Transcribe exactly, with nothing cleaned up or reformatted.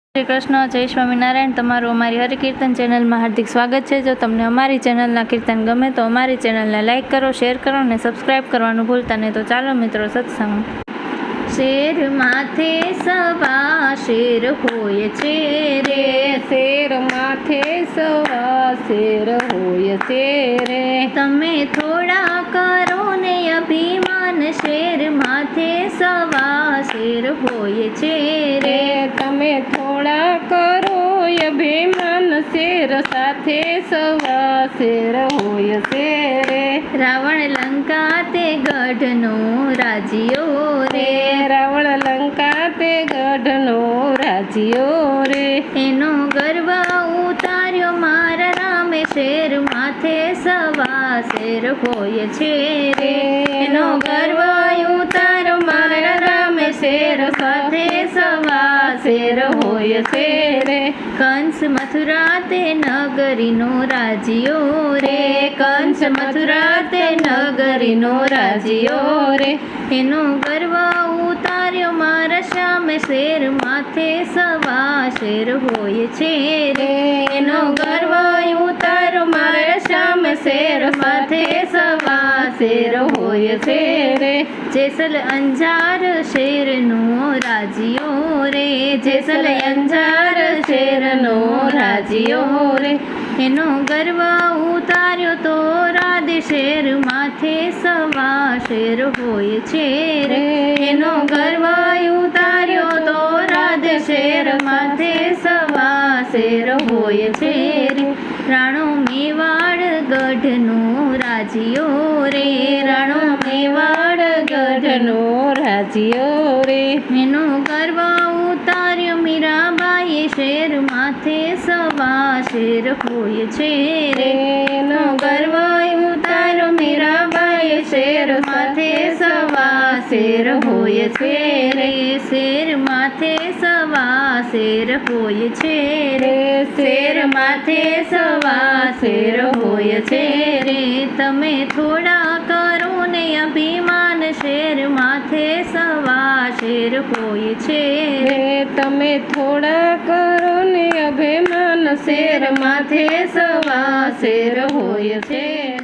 શ્રી કૃષ્ણ, જય સ્વામિનારાયણ। તમારું અમારી હરિકીર્તન ચેનલમાં હાર્દિક સ્વાગત છે। જો તમને અમારી ચેનલના કીર્તન ગમે તો અમારી ચેનલને લાઇક કરો, શેર કરો અને સબસ્ક્રાઈબ કરવાનું ભૂલતા નહીં। તો ચાલો મિત્રો સત્સંગ। શેર માથે સવા શેર હોય છે રે, શેર માથે સવા શેર હોય છે રે। તમે થોડા કરો ને અભિમાન, શેર માથે સવા શેર હોય છે રે। તમે થોડા કરો અભિમાન, શેર સાથે સવા શેર હોય છે રે। રાવણ લંકા તે ગઢનો રાજીયો રે, રાવણ લંકા તે ગઢનો રાજીયો રે। એનો ગર્વ ઉતાર્યો મારા રામે, શેર માથે સવા શેર હોય છે રે। એનો ગર્વ ઉતાર્યો મારા રામે, શેર સાથે સવા શેર હોય છે રે। કંસ મથુરા તે નગરીનો રાજીયો રે, કંસ મથુરા તે નગરીનો રાજીયો રે। એનો ગર્વ ઉતાર્યો મારા સામે, શેર માથે સવા શેર હોય છે રે। એનો ગર્વ ઉતાર્યો મારા સામે, શેર માથે સવા શેર હોય છે રે। જેસલ અંજાર શેરનો રાજીયો રે, જેસલ અંજાર શેરનો રાજીયો રે। એનો ગર્વ ઉતાર્યો તો રાધે, શેર માથે સવા શેર હોય છે રે। એનો ગર્વ ઉતાર્યો તો રાધે, શેર માથે સવા શેર હોય છે રે। રાણો મેવાડ ગઢનો રાજીયો રે, રાણો મેવાડ ગઢનો રાજીયો રે। એનો ગર્વ ઉતાર્યો મીરાબાઈએ, શેર માથે સવા શેર હોય છે રે। એનો ગર્વ ઉતાર્યો મીરાબાઈએ, શેર માથે સવા શેર હોય છે રે। શેર માથે સવા શેર હોય છે રે, શેર માથે સવા શેર હોય છે રે। તમે થોડા કરો ને અભિમાન, શેર માથે સવા શેર હોય છે રે। તમે થોડા કરો ને અભિમાન, શેર માથે સવા શેર હોય છે।